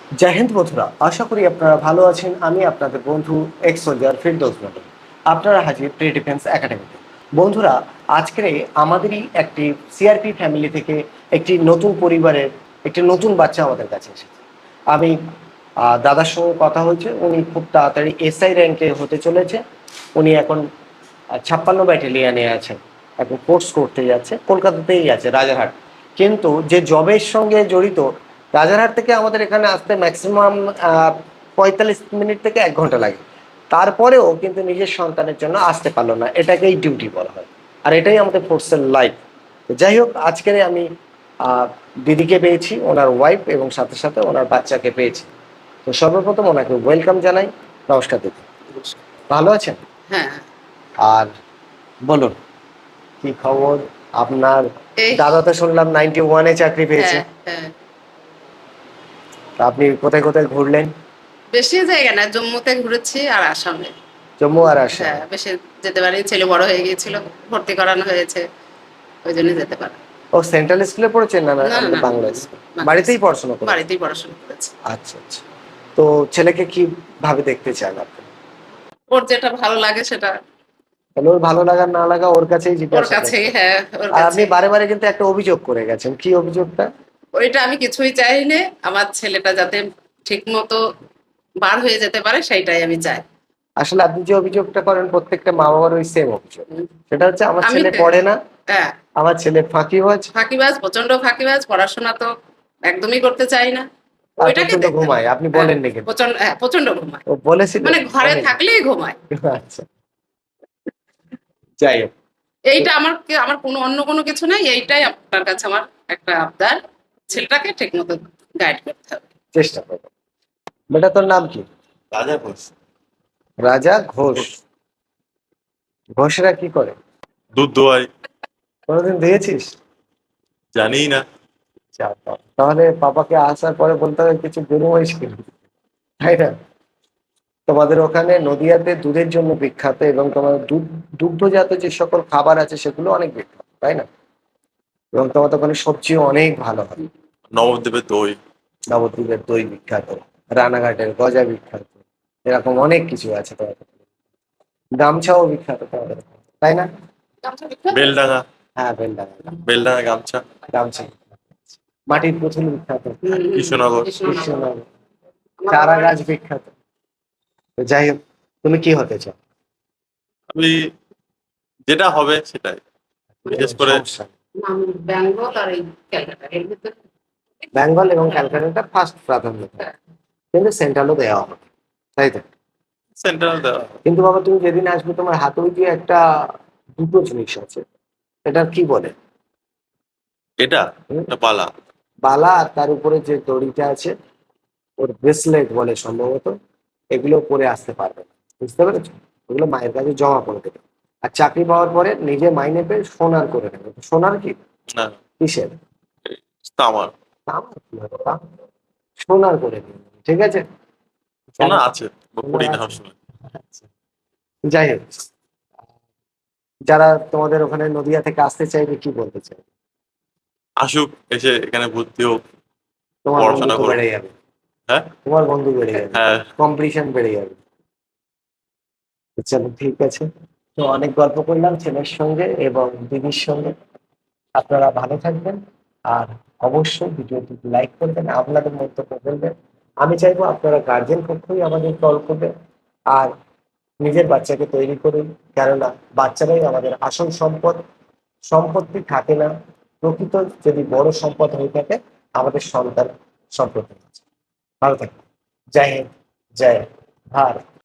জয় হিন্দ বন্ধুরা, আশা করি আপনারা ভালো আছেন। আমি আপনাদের বন্ধু এক্স সোলজার ফিরদৌস নবী। আপনারা হাজির প্রি ডিফেন্স একাডেমিতে। বন্ধুরা, আজকে আমাদেরই একটি সিআরপি ফ্যামিলি থেকে একটি নতুন পরিবারের একটি নতুন বাচ্চা আমাদের কাছে এসেছে। আমি দাদার সঙ্গে কথা হয়েছে, উনি খুব তাড়াতাড়ি এসআই র্যাঙ্কে হতে চলেছে। উনি এখন 56 ব্যাটালিয়ানে আছেন, এখন কোর্স করতে যাচ্ছে, কলকাতাতেই আছে, রাজারহাট। কিন্তু যে জবের সঙ্গে জড়িত, রাজারহাট থেকে আমাদের এখানে আসতে ম্যাক্সিমাম 45 মিনিট থেকে 1 ঘন্টা লাগে। তারপরেও কিন্তু নিজের সন্তানের জন্য আসতে পারলো না, এটাকেই ডিউটি বলা হয়। আর এটাই আমাদের ফোর্সের লাইফ। যাই হোক, আজকে আমি দিদিকে পেয়েছি, ওনার ওয়াইফ, এবং সাথে সাথে ওনার বাচ্চাকে পেয়েছি। তো সর্বপ্রথম ওনাকে ওয়েলকাম জানাই। নমস্কার দিদি, ভালো আছেন? হ্যাঁ, আর বলুন, কি খবর আপনার? এই দাদা তো শুনলাম 91-এ চাকরি পেয়েছে। হ্যাঁ, হ্যাঁ। তা আপনি কোথায় কোথায় ঘুরলেন? বেশি জায়গা না, জম্মুতে ঘুরেছি আর আসামে। জম্মু আর আসাম। হ্যাঁ, বেশি যেতে পারি, ছেলে বড় হয়ে গিয়েছিল, ভর্তি করানো হয়েছে, ওই জন্য যেতে পারি। ও, সেন্ট্রাল স্কুলে পড়েছেন না? না, না, না, আমাদের না, বাংলা না, স্কুল। বাংলা বাড়িতেই স্কুল। পড়াশোনা করেছেন? বাড়িতেই পড়াশোনা করেছি। আচ্ছা আচ্ছা। তো ছেলেকে কি ভাবে দেখতে চান আপনি? ওর যেটা ভালো লাগে সেটা তাহলে ওর ভালো লাগা না লাগা ওর কাছেই ওর জিজ্ঞাসা কাছেই, করতে। হ্যাঁ, ওর আর আপনি কাছে। বারে বারে কিন্তু একটা অভিযোগ করে গেছেন, কি অভিযোগটা? ওইটা আমি কিছুই চাই না, আমার ছেলেটা যাতে ঠিক মতো বার হয়ে যেতে পারে সেইটাই আমি চাই। আসলে আপনি যে অভিযোগটা করেন প্রত্যেকটা মা বাবার ওই সেম অভিযোগ। উম, সেটা হচ্ছে, আমার আমি ছেলে পড়ে না, হ্যাঁ, আমার ছেলে ফাঁকিবাজ, ফাঁকিবাজ, প্রচন্ড ফাঁকিবাজ, পড়াশোনা তো একদমই করতে চাই না। আর ওইটাকে প্রচন্ড দেখতে ঘুমায়। হবে। আপনি হ্যাঁ, বলেননি কিন্তু। প্রচন্ড, হ্যাঁ, প্রচন্ড ঘুমায়। ও বলেছিল? মানে ঘরে বলেনি? থাকলেই ঘুমায়। আচ্ছা, যাই হোক। এইটা আমার কোনো অন্য কোনো কিছু নাই, এইটাই আপনার কাছে আমার একটা আবদার। ছেলেটাকে ঠিক মতো গাইড করতে হবে। চেষ্টা করবো। বেটা, তোর নাম কি? রাজা ঘোষ। রাজা ঘোষ। ঘোষরা কি করে? দুধ দোয়াই। কোনোদিন দিয়েছিস? জানিই না। যা বাবা। তাহলে পাপাকে আসার পরে বলতে হবে কিছু গরু মহিষ কিনবি, তাই না? তোমাদের ওখানে নদিয়াতে দুধের জন্য বিখ্যাত, এবং তোমাদের দুগ্ধজাত যে সকল খাবার আছে সেগুলো অনেক বিখ্যাত, তাই না? এবং তোমাদের ওখানে সবজিও অনেক ভালো হয়। নবদ্বীপের দই। নবদ্বীপের দই বিখ্যাত, রানাঘাটের গজা বিখ্যাত, এরকম অনেক কিছু আছে তোমাদের। গামছাও বিখ্যাত তোমাদের ওখানে, তাই না? বেলডাঙা। হ্যাঁ, বেলডাঙ্গা বেলডাঙা গামছা। গামছা। মাটির পুতুল বিখ্যাত, কৃষ্ণনগর। কৃষ্ণনগর। চারা গাছ বিখ্যাত। তো যাই হোক, তুমি কি হতে চাও? আমি যেটা হবে সেটাই, বিশেষ করে সমস্যা নেই। ব্যাঙ্গল আর এই ক্যালকাটা এর ভিতরে। বেঙ্গল এবং ক্যালকাটা ফার্স্ট প্রাধান্য পায়, কিন্তু সেন্ট্রালও দেওয়া হবে, তাই তো? সেন্ট্রাল দেওয়া। কিন্তু বাবা, তুমি যেদিন আসবে তোমার হাতে ওই যে একটা দুটো জিনিস আছে, এটা কি বলে? এটা হুম? এটা পালা। বালা, আর তার উপরে যে দড়িটা আছে, ওর ব্রেসলেট বলে সম্ভবত। এগুলো পরে আসতে পারবে না, বুঝতে পেরেছো? ওগুলো মায়ের কাছে জমা করে দেবে। আর চাকরি পাওয়ার পরে নিজে মাইনে পেয়ে সোনার করে নেবে। সোনার কি? না, কিসের? তামার। তামার কি হবে? সোনার করে নেবে, ঠিক আছে? শোনা আছে, সোনার পড়ি না আছে। আসলে। আচ্ছা। যাই হোক, যারা তোমাদের ওখানে নদিয়া থেকে আসতে চাইবে কি বলতে চাই? আসুক, এসে এখানে ভর্তি হোক, তোমার পড়াশোনা বন্ধুত্ব করুক। বেড়ে যাবে, হ্যাঁ, তোমার বন্ধু বেড়ে যাবে, হ্যাঁ। কম্পিটিশন বেড়ে যাবে। তো চলো, ঠিক আছে। তো অনেক গল্প করলাম ছেলের সঙ্গে এবং দিদির সঙ্গে। আপনারা ভালো থাকবেন। আর অবশ্যই ভিডিওটি লাইক করবেন, আপনাদের মন্তব্য বলবেন। আমি চাইবো আপনারা গার্জেন পক্ষই আমাদের কল করবেন। আর নিজের বাচ্চাকে তৈরি করুন, কেননা বাচ্চারাই আমাদের আসল সম্পদ। সম্পত্তি থাকে না, প্রকৃত যদি বড় সম্পদ হয়ে থাকে আমাদের সন্তান, সম্পত্তি। ভালো থাকবেন। জয় হিন্দ, জয় ভারত।